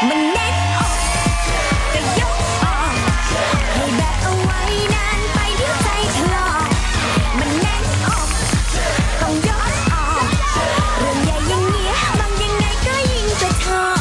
มันแน่นอกก็ยกออกให้แบกเอาไว้นานไปเดี๋ยวใจถลอกมันแน่นอกต้องยกออกเรื่องใหญ่อย่างเงี้ยบางยังไงก็ยิ่งจะชอบ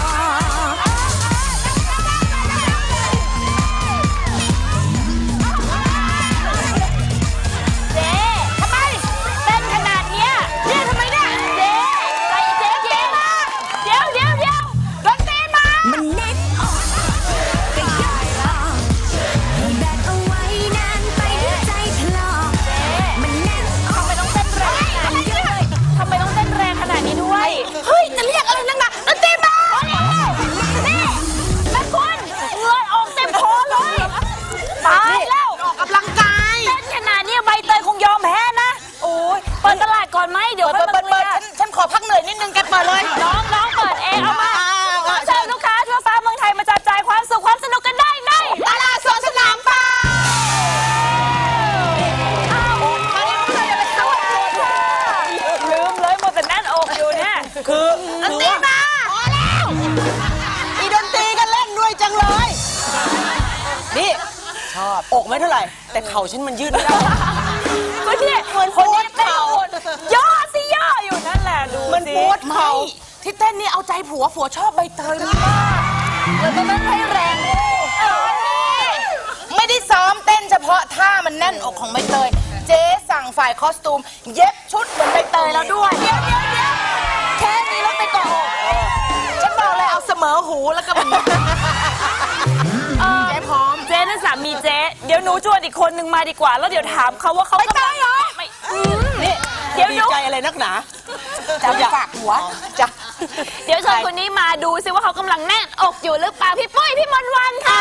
ฉันขอพักเหนื่อยนิดนึงแกเปิดเลยน้องเปิดเองเอามาเชิญลูกค้าทั่วฟ้าเมืองไทยมาจับจ่ายความสุขความสนุกกันได้ในตลาดสดสนามเป้าลืมเลยหมดแต่แน่นอกอยู่เนี่ยคือดนตรีมาพอแล้วอีดนตรีกันเล่นด้วยจังเลยนี่ชอบอกไม่เท่าไหร่แต่เข่าฉันมันยืดไม่ได้ก็เนี่ยเหมือนคนนี้เต้นย่อสิย่ออยู่นั่นแหละดูมันปวดเข่าที่เต้นนี่เอาใจผัวชอบใบเตยมากเลยต้องเต้นให้แรงไม่ได้ซ้อมเต้นเฉพาะท่ามันแน่นอกของใบเตยเจ๊สั่งฝ่ายคอสตูมเย็บชุดเหมือนใบเตยแล้วด้วยเดี๋ยวแค่นี้แล้วไปก่อนฉันบอกเลยเอาเสมอหูแล้วก็มันเจ๊พร้อมเจ๊นั่นสามีเจ๊เดี๋ยวหนูชวนอีกคนนึงมาดีกว่าแล้วเดี๋ยวถามเขาว่าเขาใบเตยเหรอนี่เดี๋ยวดีใจอะไรนักหนาจะฝากหัวจ้ะเดี๋ยวชวนคนนี้มาดูซิว่าเขากำลังแน่นอกอยู่หรือเปล่าพี่ปุ้ยพี่มนต์วันค่ะ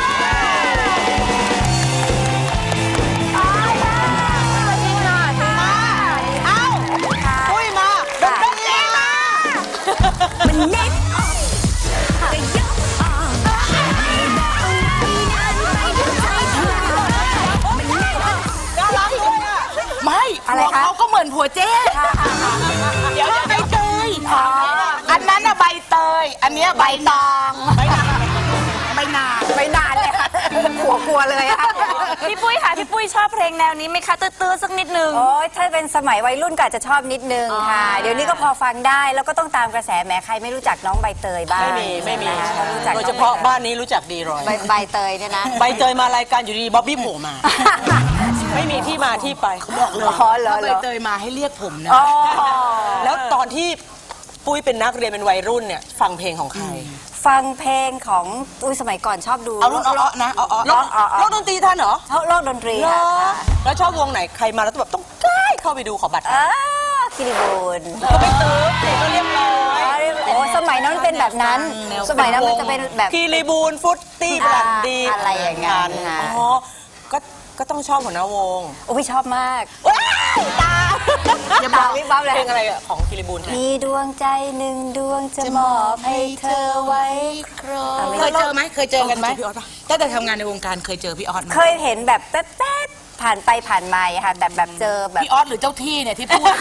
มันแน่นออกก็ยกออกให้แบกเอาไว้นานไปเดี๋ยวใจถลอกมันแน่นออกน่ารักเลยอ่ะไม่อะไรเขาก็เหมือนผัวเจ๊เดี๋ยวใบเตยอันนั้นอะใบเตยอันนี้ใบตองใบนานเลยค่ะกลัวเลยค่ะพี่ปุ้ยค่ะพี่ปุ้ยชอบเพลงแนวนี้ไหมคะตื้อๆสักนิดนึงโอ้ยถ้าเป็นสมัยวัยรุ่นก็อาจจะชอบนิดนึงค่ะเดี๋ยวนี้ก็พอฟังได้แล้วก็ต้องตามกระแสแม้ใครไม่รู้จักน้องใบเตยบ้างไม่มีโดยเฉพาะบ้านนี้รู้จักดีรอยใบเตยเนี่ยนะใบเตยมารายการอยู่ดีบ๊อบบี้โผล่มาไม่มีที่มาที่ไปเขาบอกเลยถ้าใบเตยมาให้เรียกผมนะแล้วตอนที่ปุ้ยเป็นนักเรียนเป็นวัยรุ่นเนี่ยฟังเพลงของใครฟังเพลงของสมัยก่อนชอบดูเอารุ่นอ้อนะโลกดนตรีท่านเหรอโลกดนตรีค่ะแล้วชอบวงไหนใครมาแล้วแบบต้องใกล้เข้าไปดูขอบัตรคิริบูลก็ไม่ตื้อเด็กก็เรียบร้อยโอ้สมัยนั้นเป็นแบบนั้นสมัยนั้นมันจะเป็นแบบคิริบูลฟุตตี้บลันดีอะไรอย่างเงี้ยอ๋อก็ต้องชอบหัวหน้าวงโอ้ยชอบมากตาอย่าบอกวิบวับเลยเพลงอะไรของคิริบูลมีดวงใจหนึ่งดวงจะมอบให้เธอไว้ครองเคยเจอไหมเคยเจอกันไหมตั้งแต่ทำงานในวงการเคยเจอพี่ออสไหมเคยเห็นแบบแป๊บผ่านไปผ่านมาค่ะแต่แบบเจอแบบพี่ออสหรือเจ้าที่เนี่ยที่พูด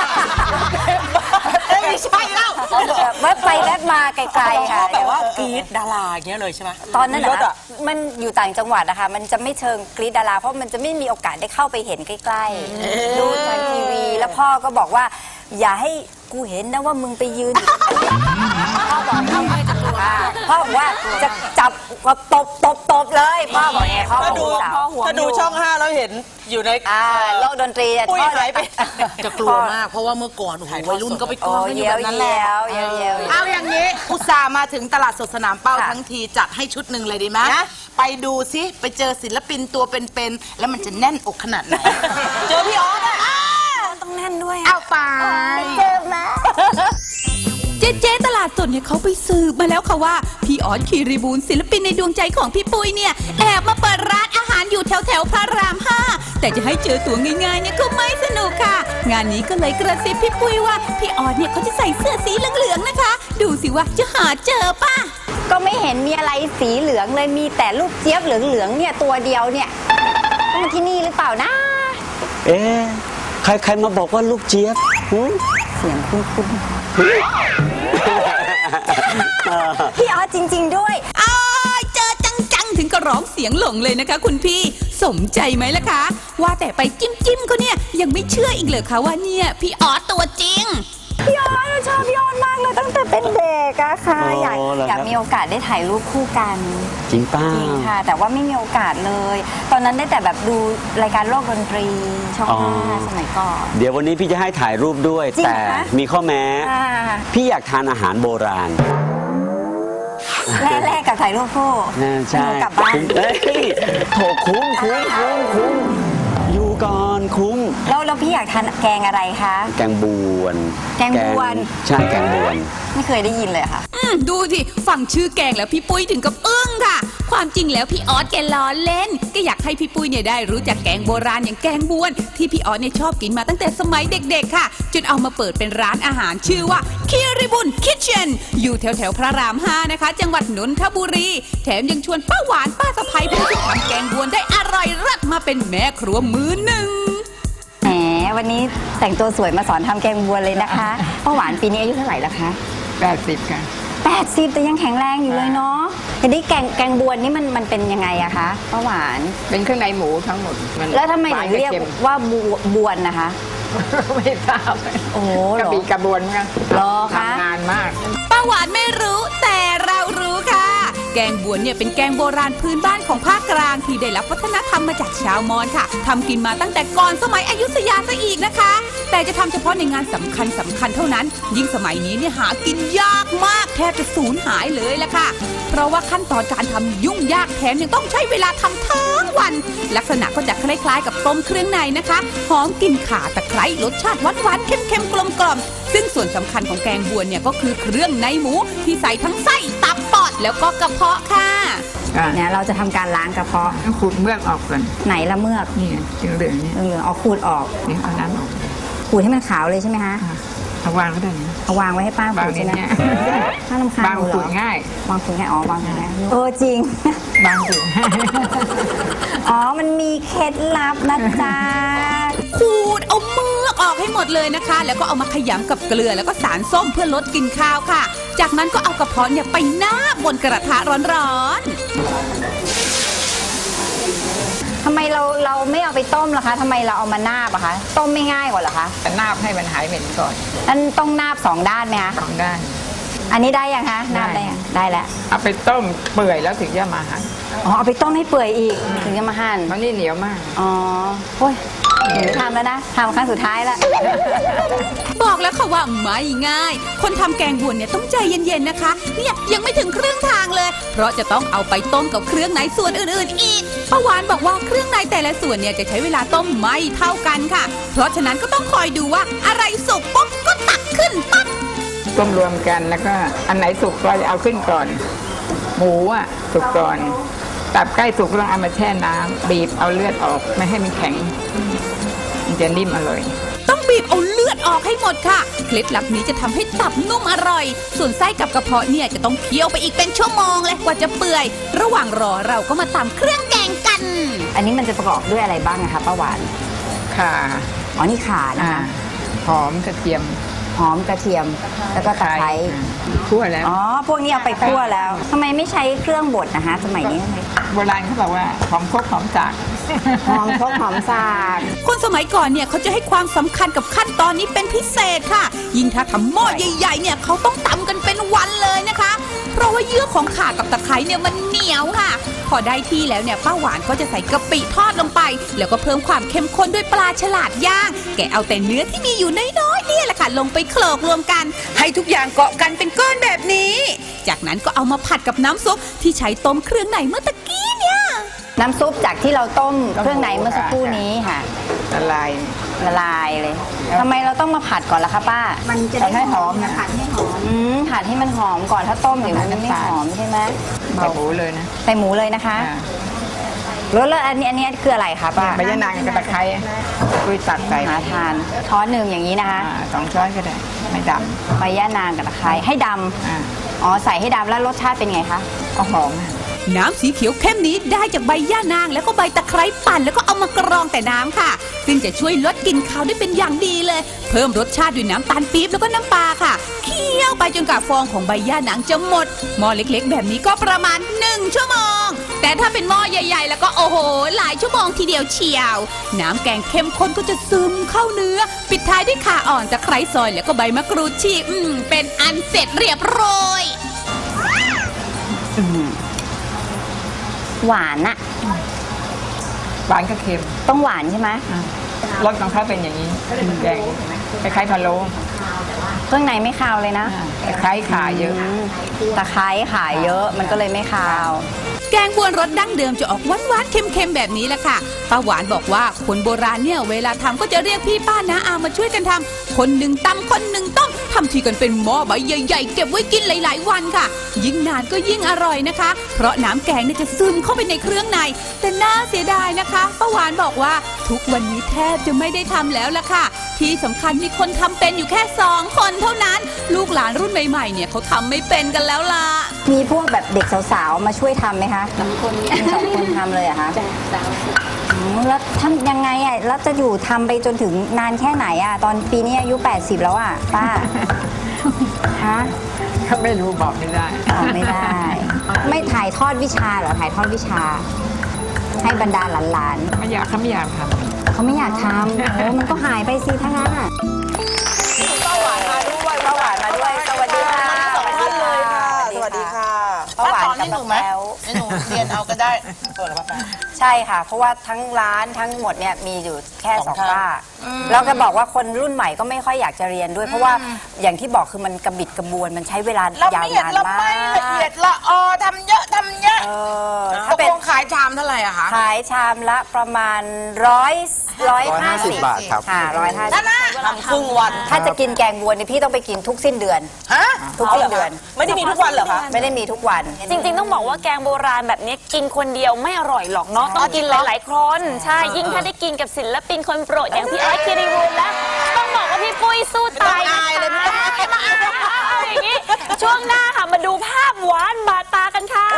ไม่ใช่แล้วแวบไปแวบมาไกลๆค่ะแบบว่ากรี๊ดดาราอย่างเงี้ยเลยใช่ไหมตอนนั้นนะมันอยู่ต่างจังหวัดนะคะมันจะไม่เชิงกรี๊ดดาราเพราะมันจะไม่มีโอกาสได้เข้าไปเห็นใกล้ๆดูทางทีวีแล้วพ่อก็บอกว่าอย่าให้กูเห็นนะว่ามึงไปยืนพ่อบอกว่าจะจับก็ตบเลยพ่อบอกเนี่ยพ่อถ้าดูช่อง5แล้วเห็นอยู่ในโลกดนตรีปุ้ยหายไปจะกลัวมากเพราะว่าเมื่อก่อนวัยรุ่นก็ไปกลัวกันอยู่แบบนั้นแล้วเอาอย่างนี้อุตส่าห์มาถึงตลาดสดสนามเป้าทั้งทีจัดให้ชุดหนึ่งเลยดีไหมไปดูซิไปเจอศิลปินตัวเป็นๆแล้วมันจะแน่นอกขนาดไหนเจอพี่ออสต้องแน่นด้วยเอาไปเจอไหมเจ๊ตลาดสดเนี่ยเขาไปสืบมาแล้วค่ะว่าพี่ออสคีรีบูลศิลปินในดวงใจของพี่ปุ้ยเนี่ยแอบมาเปิดร้านอาหารอยู่แถวพระราม5แต่จะให้เจอตัวง่ายๆเนี่ยก็ไม่สนุกค่ะงานนี้ก็เลยกระซิบพี่ปุ้ยว่าพี่ออสเนี่ยเขาจะใส่เสื้อสีเหลืองๆนะคะดูสิว่าจะหาเจอป่ะก็ไม่เห็นมีอะไรสีเหลืองเลยมีแต่ลูกเจี๊ยบเหลืองๆเนี่ยตัวเดียวเนี่ยต้องที่นี่หรือเปล่านะใครมาบอกว่าลูกเจี๊ยบเสียงคุ้นพี่ออสจริง ๆ ด้วยอ้ายเจอจังๆ ถึงก็ร้องเสียงหลงเลยนะคะ คุณพี่สมใจไหมล่ะคะ ว่าแต่ไปจิ้มเขาเนี่ยยังไม่เชื่ออีกเหรอคะว่าเนี่ยพี่ออสตัวจริงพี่ออสชอบพี่ออสมากเลยตั้งแต่เป็นเด็กอะค่ะอ๋ออยากเหรอครับอยากมีโอกาสได้ถ่ายรูปคู่กันจริงป้าจริงค่ะ แต่ว่าไม่มีโอกาสเลย ตอนนั้นได้แต่แบบดูรายการโลกดนตรีช่องอ๋อ 5สมัยก่อนเดี๋ยววันนี้พี่จะให้ถ่ายรูปด้วยจริงแต่เหรอคะมีข้อแม้อ่าพี่อยากทานอาหารโบราณแรกกับถ่ายรูปคู่ใช่หนูกลับบ้านเอ้ยโถคุ้มอยู่ก่อนคุ้มแล้วพี่อยากทานแกงอะไรคะแกงบวนแกงบวนใช่แกงบวนไม่เคยได้ยินเลยค่ะดูสิฟังชื่อแกงแล้วพี่ปุ้ยถึงกับอึ้งค่ะ ความจริงแล้วพี่ออสแกล้อเล่นก็อยากให้พี่ปุ้ยเนี่ยได้รู้จักแกงโบราณอย่างแกงบวน ที่พี่ออสเนี่ยชอบกินมาตั้งแต่สมัยเด็กๆค่ะจนเอามาเปิดเป็นร้านอาหารชื่อว่าคิริบุนคิทเช่นอยู่แถวๆพระราม5นะคะจังหวัดนนทบุรีแถมยังชวนป้าหวานป้าสะใภ้ผู้ที่ทำแกงบวนได้อร่อยเลิศมาเป็นแม่ครัวมือหนึ่งแหมวันนี้แต่งตัวสวยมาสอนทำแกงบัวเลยนะคะป้าหวานปีนี้อายุเท่าไหร่แล้วคะ 80ค่ะ 80แต่ยังแข็งแรงอยู่เลยเนาะทีนี้แกงบวนนี่มันเป็นยังไงอะคะป้าหวานเป็นเครื่องในหมูทั้งหมดนแล้วทำไมหวาถึนงเรียกค็มว่าบวนนะคะไม่ทราบโอ้โหเหกรระอบี่กระบวนมั้งเหรอคะทำนานมากป้าหวานไม่รู้แต่เรารู้ค่ะ แกงบวนเนี่ยเป็นแกงโบราณพื้นบ้านของภาคกลางที่ได้รับวัฒนธรรมมาจากชาวมอญค่ะทำกินมาตั้งแต่ก่อนสมัยอยุธยาซะอีกนะคะ แต่จะทำเฉพาะในงานสำคัญเท่านั้น ยิ่งสมัยนี้เนี่ยหากินยากมากแทบจะสูญหายเลยละค่ะ เพราะว่าขั้นตอนการทำยุ่งยากแถมยังต้องใช้เวลาทำทั้งวัน ลักษณะก็จะคล้ายๆกับต้มเครื่องในนะคะหอมกลิ่นข่าตะไคร้รสชาติหวานๆเค็มๆกลมๆซึ่งส่วนสำคัญของแกงบวนเนี่ยก็คือเครื่องในหมูที่ใส่ทั้งไส้ตับปอดแล้วก็กระเพาะค่ะเนี่ยเราจะทำการล้างกระเพาะต้องขูดเมือกออกก่อนไหนละเมือกนี่เหลืองๆเนี่ยเหลืองๆเอาขูดออกนี่เอาน้ำออกขูดให้มันขาวเลยใช่ไหมคะเอาวางก็ได้นะเอาวางไว้ให้ป้าขูดใช่ไหมวางเนี่ยถ้าลำคาญบางหนูเหรขูอดง่ายวางขูดง่ายอ๋อวางขูดง่ายจริงบางขูดง่ายอ๋อ มันมีเคล็ดลับนะจ๊ะขูดเอาเมือกออกให้หมดเลยนะคะ แล้วก็เอามาขยำกับเกลือแล้วก็สารส้มเพื่อลดกลิ่นคาวค่ะ จากนั้นก็เอากระเพาะเนี่ยไปนาบบนกระทะร้อนๆทำไมเราไม่เอาไปต้มล่ะคะ ทำไมเราเอามานาบอะคะ ต้มไม่ง่ายกว่าเหรอคะแต่นาบให้มันหายเหม็นก่อนนั่นต้องนาบ2 ด้านไหมคะสองด้านอันนี้ได้ยังคะ นาบได้ยังได้แล้วเอาไปต้มเปื่อยแล้วถึงจะมาหั่นอ๋อ เอาไปต้มให้เปื่อยอีก ถึงจะมาหั่นเพราะนี่เหนียวมากอ๋อโอ้ยหนูไม่ทำแล้วนะทำครั้งสุดท้ายแล้วบอกแล้วค่ะว่าไม่ง่าย คนทำแกงบวนเนี่ยต้องใจเย็นๆนะคะ เนี่ยยังไม่ถึงครึ่งทางเลย เพราะจะต้องเอาไปต้มกับเครื่องในส่วนอื่นๆอีกป้าหวานบอกว่าเครื่องในแต่ละส่วนเนี่ยจะใช้เวลาต้มไม่เท่ากันค่ะ เพราะฉะนั้นก็ต้องคอยดูว่าอะไรสุกปุ๊บก็ตักขึ้นปั๊บต้มรวมกันแล้วก็อันไหนสุกก็จะเอาขึ้นก่อน หมูอ่ะสุกก่อน ตับใกล้สุกก็ต้องเอามาแช่น้ำบีบเอาเลือดออกไม่ให้มันแข็ง มันจะนิ่มอร่อยต้องบีบเอาเลือดออกให้หมดค่ะ เคล็ดลับนี้จะทำให้ตับนุ่มอร่อย ส่วนไส้กับกระเพาะเนี่ยจะต้องเคี่ยวไปอีกเป็นชั่วโมงเลยกว่าจะเปื่อย ระหว่างรอเราก็มาตำเครื่องแกงกันอันนี้มันจะประกอบด้วยอะไรบ้างนะคะป้าหวานข่าอ๋อ นี่ข่านะอ่าคะหอมกระเทียมหอมกระเทียม แล้วก็ตะไคร้คั่วแล้วอ๋อ พวกนี้เอาไปคั่วแล้ว ทำไมไม่ใช้เครื่องบดนะคะ สมัยนี้ทำไมโบราณเขาบอกว่าหอมครกหอมจากหอมครกหอมสากคนสมัยก่อนเนี่ยเขาจะให้ความสำคัญกับขั้นตอนนี้เป็นพิเศษค่ะ ยิ่งถ้าทำหม้อใหญ่ๆเนี่ยเขาต้องตำกันเป็นวันเลยนะคะ เพราะว่าเยื่อของข่ากับตะไคร้เนี่ยมันเหนียวค่ะ พอได้ที่แล้วเนี่ยป้าหวานก็จะใส่กะปิทอดลงไป แล้วก็เพิ่มความเข้มข้นด้วยปลาฉลาดย่าง แกะเอาแต่เนื้อที่มีอยู่น้อยๆเนี่ยแหละค่ะลงไปโขลกรวมกัน ให้ทุกอย่างเกาะกันเป็นก้อนแบบนี้ จากนั้นก็เอามาผัดกับน้ำซุปที่ใช้ต้มเครื่องในเมื่อตะกี้เนี่ยน้ำซุปจากที่เราต้มเครื่องในเมื่อสักครู่นี้ค่ะละลายละลายเลยทำไมเราต้องมาผัดก่อนล่ะคะป้ามันจะได้หอมนะผัดให้หอมผัดให้มันหอมก่อนถ้าต้มเดี๋ยวมันไม่หอมใช่ไหมใส่หมูเลยนะใส่หมูเลยนะคะอ่าแล้วอันนี้คืออะไรคะป้าใบยะนางกับตะไคร้คุยตัดใส่หาทานช้อนหนึ่งอย่างนี้นะคะ 2 ช้อนก็ได้ ไม่ดใบย่านางกับตะไคร้ให้ดำำอ๋อใส่ให้ดำแล้วรสชาติเป็นไงคะเอาหอมนะน้ำสีเขียวเข้มนี้ได้จากใบย่านางแล้วก็ใบตะไคร้ปั่นแล้วก็เอามากรองแต่น้ำค่ะซึ่งจะช่วยลดกลิ่นคาวได้เป็นอย่างดีเลยเพิ่มรสชาติด้วยน้ำตาลปี๊บแล้วก็น้ำปลาค่ะเคี่ยวไปจนกว่าฟองของใบย่านางจะหมดหม้อเล็กๆแบบนี้ก็ประมาณ1 ชั่วโมงแต่ถ้าเป็นหม้อใหญ่ๆแล้วก็โอ้โหหลายชั่วโมงทีเดียวเชียวน้ำแกงเข้มข้นก็จะซึมเข้าเนื้อปิดท้ายด้วยข่าอ่อนตะไคร้ซอยแล้วก็ใบมะกรูดฉีกเป็นอันเสร็จเรียบร้อยหวานอะหวานกับเค็มต้องหวานใช่ไหมรสของเขาเป็นอย่างนี้แกงคล้ายๆพะโล้เครื่องในไม่คาวเลยนะคล้ายขาเยอะตะไคร้ขาเยอะมันก็เลยไม่คาวแกงบวนรสดั้งเดิมจะออกหวานๆเค็มๆแบบนี้แหละค่ะป้าหวานบอกว่าคนโบราณเนี่ยเวลาทำก็จะเรียกพี่ป้าน้าอามาช่วยกันทำคนหนึ่งตำคนหนึ่งต้มทำทีกันเป็นหม้อใบใหญ่ๆเก็บไว้กินหลายๆวันค่ะยิ่งนานก็ยิ่งอร่อยนะคะเพราะน้ำแกงเนี่ยจะซึมเข้าไปในเครื่องในแต่น่าเสียดายนะคะป้าหวานบอกว่าทุกวันนี้แทบจะไม่ได้ทำแล้วล่ะค่ะที่สำคัญมีคนทำเป็นอยู่แค่2 คนเท่านั้นลูกหลานรุ่นใหม่ๆเนี่ยเขาทำไม่เป็นกันแล้วล่ะมีพวกแบบเด็กสาวๆมาช่วยทำไหมคะ2 คนทำเลยเหรอคะแล้วทำยังไงอ่ะแล้วจะอยู่ทำไปจนถึงนานแค่ไหนอ่ะตอนปีนี้อายุ80แล้วอ่ะป้าฮะก็ไม่รู้บอกไม่ได้บอกไม่ได้ ไม่ถ่ายทอดวิชาเหรอถ่ายทอดวิชา ให้บรรดาหลานๆไม่อยากทำเขาไม่อยากทำโอ้มันก็หายไปสิถ้างั้นอ่ะป้าหวานมาด้วยสวัสดีค่ะสวัสดีค่ะป้าหวานกับป้าแป๊วหนูเรียนเอาก็ได้เปิดแล้วป้าใช่ค่ะเพราะว่าทั้งร้านทั้งหมดเนี่ยมีอยู่แค่2 ป้าแล้วก็บอกว่าคนรุ่นใหม่ก็ไม่ค่อยอยากจะเรียนด้วยเพราะว่าอย่างที่บอกคือมันกระบิดกระบวนมันใช้เวลายาวนานมากละเอียดละออทำเยอะถ้าเป็นขายชามเท่าไหร่อะคะขายชามละประมาณ150 บาทครับค่ะ150 ทำครึ่งวันถ้าจะกินแกงบัวเนี่ยพี่ต้องไปกินทุกสิ้นเดือนทุกสิ้นเดือนไม่ได้มีทุกวันเหรอคะไม่ได้มีทุกวันจริงๆต้องบอกว่าแกงโบราณแบบนี้กินคนเดียวไม่อร่อยหรอกเนาะต้องกินหลายๆคนใช่ยิ่งถ้าได้กินกับศิลปินคนโปรดอย่างพี่ออสคิริบูลแล้วต้องบอกว่าพี่ปุ้ยสู้ตายนะคะอย่างนี้ช่วงหน้าค่ะมาดูภาพหวานบาดตากันค่ะ